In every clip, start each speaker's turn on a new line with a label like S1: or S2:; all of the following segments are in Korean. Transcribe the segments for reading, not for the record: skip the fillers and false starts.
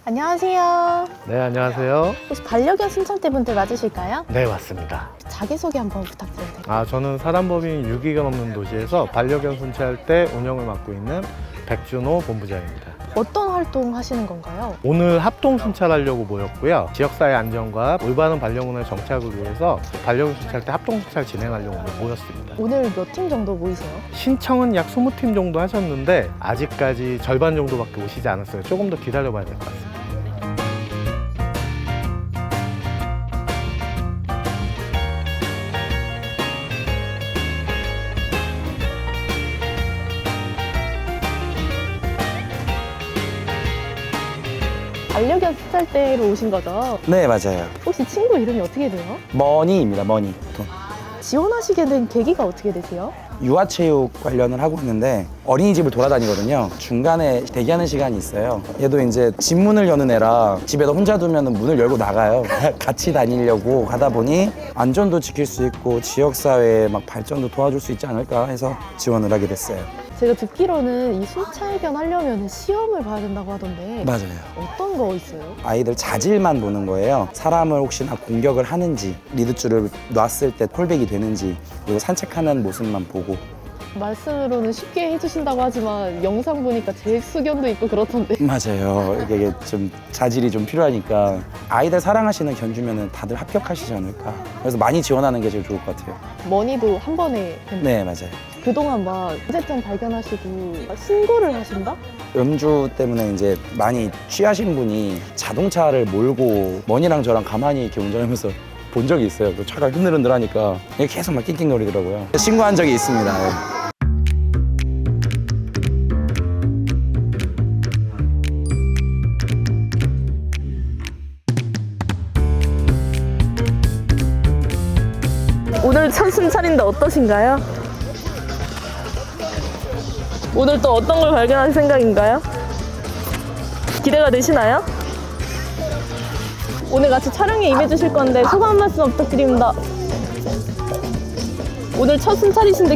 S1: 안녕하세요.
S2: 네, 안녕하세요.
S1: 혹시 반려견 순찰대분들 맞으실까요?
S2: 네, 맞습니다.
S1: 자기소개 한번 부탁드려도 될까요?
S2: 저는 사람법인 유기견 없는 도시에서 반려견 순찰대 운영을 맡고 있는 백준호 본부장입니다.
S1: 어떤 활동 하시는 건가요?
S2: 오늘 합동 순찰하려고 모였고요. 지역사회 안전과 올바른 반려견의 정착을 위해서 반려견 순찰대 합동 순찰 진행하려고 오늘 모였습니다.
S1: 오늘 몇 팀 정도 모이세요?
S2: 신청은 약 20팀 정도 하셨는데 아직까지 절반 정도밖에 오시지 않았어요. 조금 더 기다려봐야 될 것 같습니다.
S1: 반려견 순찰대로 오신 거죠?
S3: 네, 맞아요.
S1: 혹시 친구 이름이 어떻게 돼요?
S3: 머니입니다, 머니.
S1: 지원하시게 된 계기가 어떻게 되세요?
S3: 유아체육 관련을 하고 있는데 어린이집을 돌아다니거든요. 중간에 대기하는 시간이 있어요. 얘도 이제 집 문을 여는 애라 집에다 혼자 두면 문을 열고 나가요. 같이 다니려고 하다 보니 안전도 지킬 수 있고 지역사회 막 발전도 도와줄 수 있지 않을까 해서 지원을 하게 됐어요.
S1: 제가 듣기로는 이 순찰견 하려면 시험을 봐야 된다고 하던데
S3: 맞아요.
S1: 어떤 거 있어요?
S3: 아이들 자질만 보는 거예요. 사람을 혹시나 공격을 하는지, 리드줄을 놨을 때 콜백이 되는지, 그리고 산책하는 모습만 보고.
S1: 말씀으로는 쉽게 해주신다고 하지만 영상 보니까 제수견도 있고 그렇던데
S3: 맞아요. 이게 좀 자질이 좀 필요하니까 아이들 사랑하시는 견주면은 다들 합격하시지 않을까. 그래서 많이 지원하는 게 제일 좋을 것 같아요.
S1: 머니도 한 번에
S3: 네, 맞아요.
S1: 그동안 막 문제점 발견하시고 신고를 하신다?
S3: 음주 때문에 이제 많이 취하신 분이 자동차를 몰고 머니랑 저랑 가만히 이렇게 운전하면서 본 적이 있어요. 그 차가 흔들흔들하니까 계속 막 낑낑거리더라고요. 신고한 적이 있습니다. 네.
S1: 오늘 첫 순찰인데 어떠신가요? 오늘 또 어떤 걸 발견할 생각인가요? 기대가 되시나요? 오늘 같이 촬영에 임해주실 건데 소감 한 말씀 부탁드립니다. 오늘 첫 순찰이신데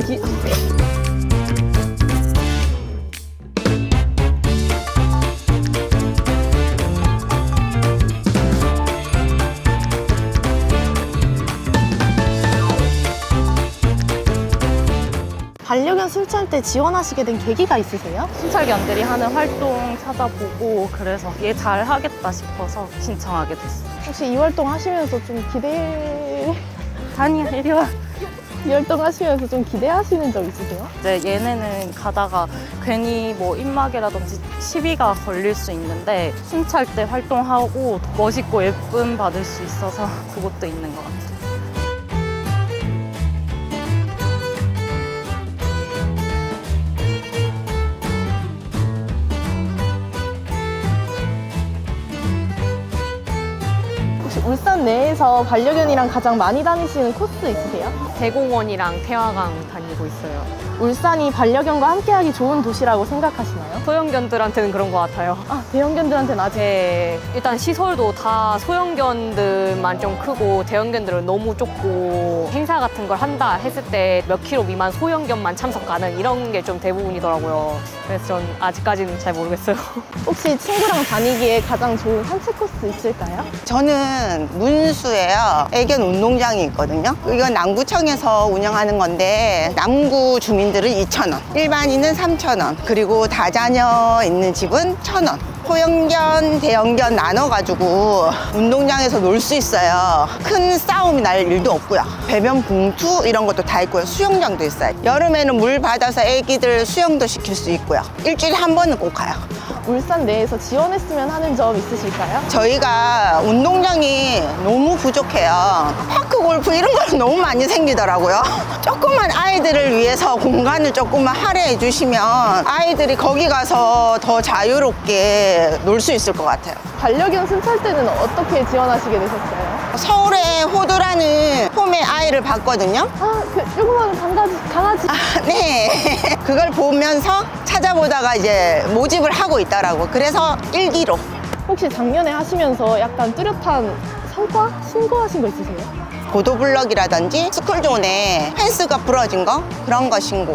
S1: 반려견 순찰대 지원하시게 된 계기가 있으세요?
S4: 순찰견들이 하는 활동 찾아보고 그래서 얘 잘 하겠다 싶어서 신청하게 됐어요.
S1: 혹시 이 활동 하시면서 좀
S4: 다니야, 이리 와.
S1: 이 활동 하시면서 좀 기대하시는 점 있으세요?
S4: 이제 얘네는 가다가 괜히 뭐 입마개라든지 시비가 걸릴 수 있는데 순찰 때 활동하고 멋있고 예쁨 받을 수 있어서 그것도 있는 것 같아요.
S1: 혹시 울산 내에서 반려견이랑 가장 많이 다니시는 코스 있으세요?
S5: 대공원이랑 태화강 다니고 있어요.
S1: 울산이 반려견과 함께하기 좋은 도시라고 생각하시나요?
S5: 소형견들한테는 그런 것 같아요.
S1: 대형견들한테는 아직
S5: 일단 시설도 다 소형견들만 좀 크고 대형견들은 너무 좁고 행사 같은 걸 한다 했을 때 몇 킬로 미만 소형견만 참석 가능 이런 게 좀 대부분이더라고요. 그래서 전 아직까지는 잘 모르겠어요.
S1: 혹시 친구랑 다니기에 가장 좋은 산책 코스 있을까요?
S6: 저는 문수예요. 애견 운동장이 있거든요. 이건 남구청에서 운영하는 건데 남구 주민들은 2,000원, 일반인은 3,000원, 그리고 다자녀 있는 집은 1,000원. 소형견, 대형견 나눠가지고 운동장에서 놀 수 있어요. 큰 싸움이 날 일도 없고요. 배변 봉투 이런 것도 다 있고요. 수영장도 있어요. 여름에는 물 받아서 애기들 수영도 시킬 수 있고요. 일주일에 한 번은 꼭 가요.
S1: 울산 내에서 지원했으면 하는 점 있으실까요?
S6: 저희가 운동장이 너무 부족해요. 파크 골프 이런 거 너무 많이 생기더라고요. 조금만 아이들을 위해서 공간을 조금만 할애해 주시면 아이들이 거기 가서 더 자유롭게 놀 수 있을 것 같아요.
S1: 반려견 순찰대는 어떻게 지원하시게 되셨어요?
S6: 서울에 호두라는 홈의 아이를 봤거든요.
S1: 그 조그마한 강아지.
S6: 네. 그걸 보면서 찾아보다가 이제 모집을 하고 있더라고. 그래서 일기로.
S1: 혹시 작년에 하시면서 약간 뚜렷한 성과? 신고하신 거 있으세요?
S6: 보도블럭이라든지 스쿨존에 펜스가 부러진 거 그런 거 신고,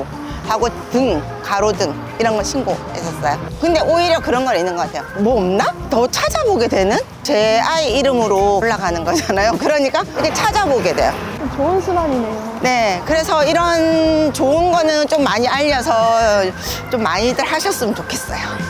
S6: 하고 등, 가로등 이런 거 신고했었어요. 근데 오히려 그런 건 있는 것 같아요. 뭐 없나? 더 찾아보게 되는? 제 아이 이름으로 올라가는 거잖아요. 그러니까 이렇게 찾아보게 돼요.
S1: 좋은 습관이네요.
S6: 네, 그래서 이런 좋은 거는 좀 많이 알려서 좀 많이들 하셨으면 좋겠어요.